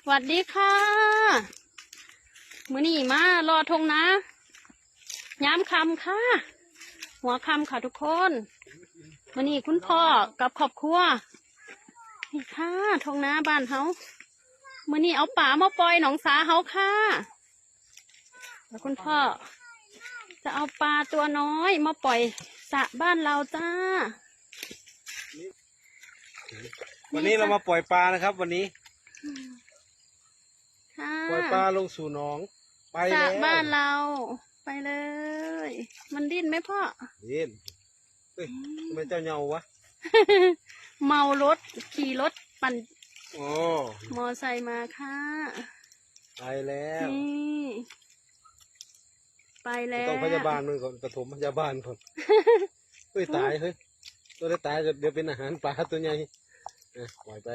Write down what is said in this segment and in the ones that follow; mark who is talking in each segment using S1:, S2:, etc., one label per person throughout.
S1: สวัสดีค่ะมื้อนี้มารอทงนะย้ำคำค่ะหัวคำค่ะทุกคนมื้อนี้คุณพ่อกับครอบครัวนี่ค่ะทงนะบ้านเฮามื้อนี้เอาป่ามาปล่อยหนองสาเฮาค่ะแล้วคุณพ่อจะเอาปลาตัวน้อยมาปล่อยสระบ้านเราจ้า
S2: วันนี้เรามาปล่อยปลานะครับ วันนี้ปล่อยปลาลงสู่หนองไป
S1: สระ
S2: แล้ว
S1: บ้านเราไปเลย มันดิ้นไหมพ่อ
S2: ดิ้นเฮ้ยทำไมเจ้าเหงาวะ
S1: เมารถขี่รถปั่น
S2: โอ้
S1: มอไซค์มาค่ะ
S2: ไปแล้ว
S1: นี่ไปแล้ว
S2: ต้องพยาบาลมันก่อนปฐมพยาบาลก่อนเฮ้ยตายเฮ้ยตัวได้ตายเดี๋ยวเป็นอาหารปลาตัวใหญ่ปล่อยไป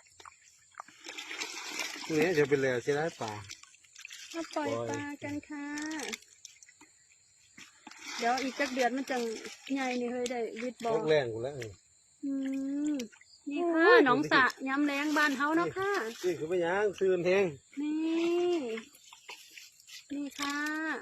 S2: นี่เดี๋ยวเป็นแล้วใช่ไหมปลา
S1: มาปล่อยปลากันค่ะเดี๋ยวอีกจักเดือนมันจะใหญ่นี่เฮ้ยได้วิดบอล
S2: แรงกูแล้ว
S1: นี่ค่ะหนองสระย้ำแรงบ้านเฮาเนาะค่ะ
S2: นี่คือไม่ย่างซื้อแห้ง
S1: นี่ค่ะ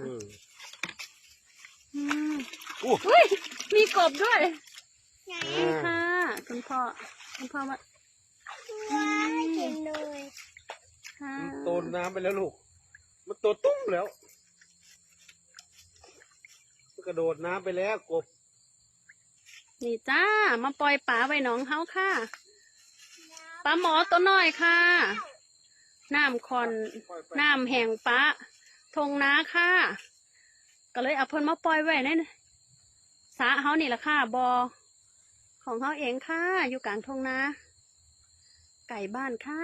S2: อุ้
S1: ยมีกบด้วยนี่ค่ะคุณพ่อมา
S3: กินเลย
S2: มันโตน้ำไปแล้วลูกมันโตตุ้มแล้วมันกระโดดน้ำไปแล้วกบ
S1: นี่จ้ามาปล่อยปลาไว้หนองเฮาค่ะปลาหมอตัวน้อยค่ะน้ำคอนน้ำแห้งปลาทงนาค่ะก็เลยเอาเพิ่นมาปล่อยไว้ในสระเฮานี่แหละค่ะบอของเฮาเองค่ะอยู่กลางทงนาไก่บ้านค่ะ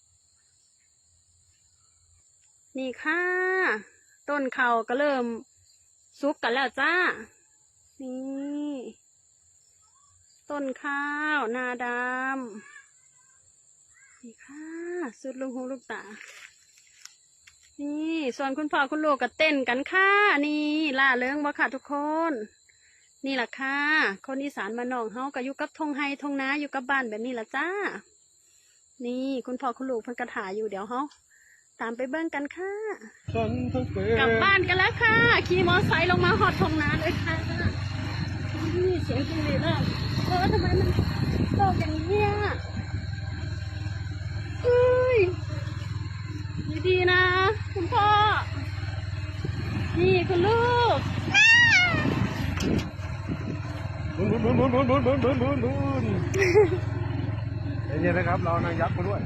S1: นี่ค่ะต้นเขาก็เริ่มสุกกันแล้วจ้านี่ต้นข้าวนาดำนี่ค่ะสุดลูกหูลูกตานี่ส่วนคุณพ่อคุณลูกก็เต้นกันค่ะนี่ล่าเริงบ่ค่ะทุกคนนี่แหละค่ะคนอีสานมานนองเฮาก็อยู่กับทงไฮทงนาอยู่กับบ้านแบบนี้ละจ้านี่คุณพ่อคุณลูกเพิ่นกระถาอยู่เดี๋ยวเฮาตามไปเบิ้งกันค่ะกลับบ้านกันแล้วค่ะขี่มอไซค์ลงมาหอดทงนาเลยค่ะนี่เสียงจริงเลยนะทำไมมันโตอย่างนี้อ่ะดีๆนะคุณพ่อนี่คุณลูก
S2: บุนเย็นๆนะครับเรานางยักษ์มาด้วย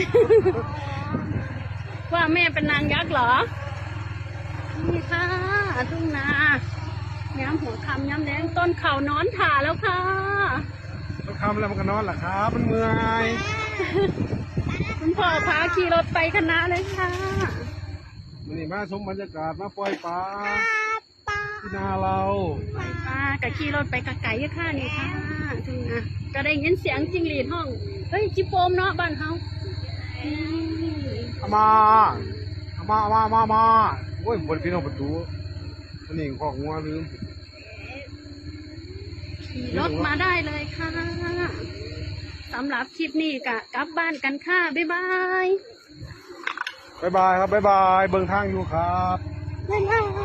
S1: ว่าแม่เป็นนางยักษ์เหรอนี่ค่ะทุ่งนาย้ำหัวคำย้ำแดงต้นเขานอนถ่าแล้วค่ะ
S2: ต้นคำแล้วมันก็นอนหรอครับมันเมื่อย
S1: คุณพ่อพาขี่รถไปคณะเลยค่ะ
S2: นี่มาชมบรรยากาศมาปล่อยปลาที่นาเรา
S1: ปล่อยปลากับขี่รถไปกับไก่ค่ะนี่ค่ะทุ่งนาก็ได้ยินเสียงจิ้งหรีดห้องเฮ้ยจิโปมเนาะบ้านเฮา
S2: มาโอ้ยบนพี่น้องประตูมันนี่ของงัวลืม
S1: รถมาได้เลยค่ะสำหรับคลิปนี้กลับบ้านกันค่ะบ๊ายบาย
S2: ครับบ๊ายบายเบิ่งทางอยู่ครับ
S1: บ๊ายบาย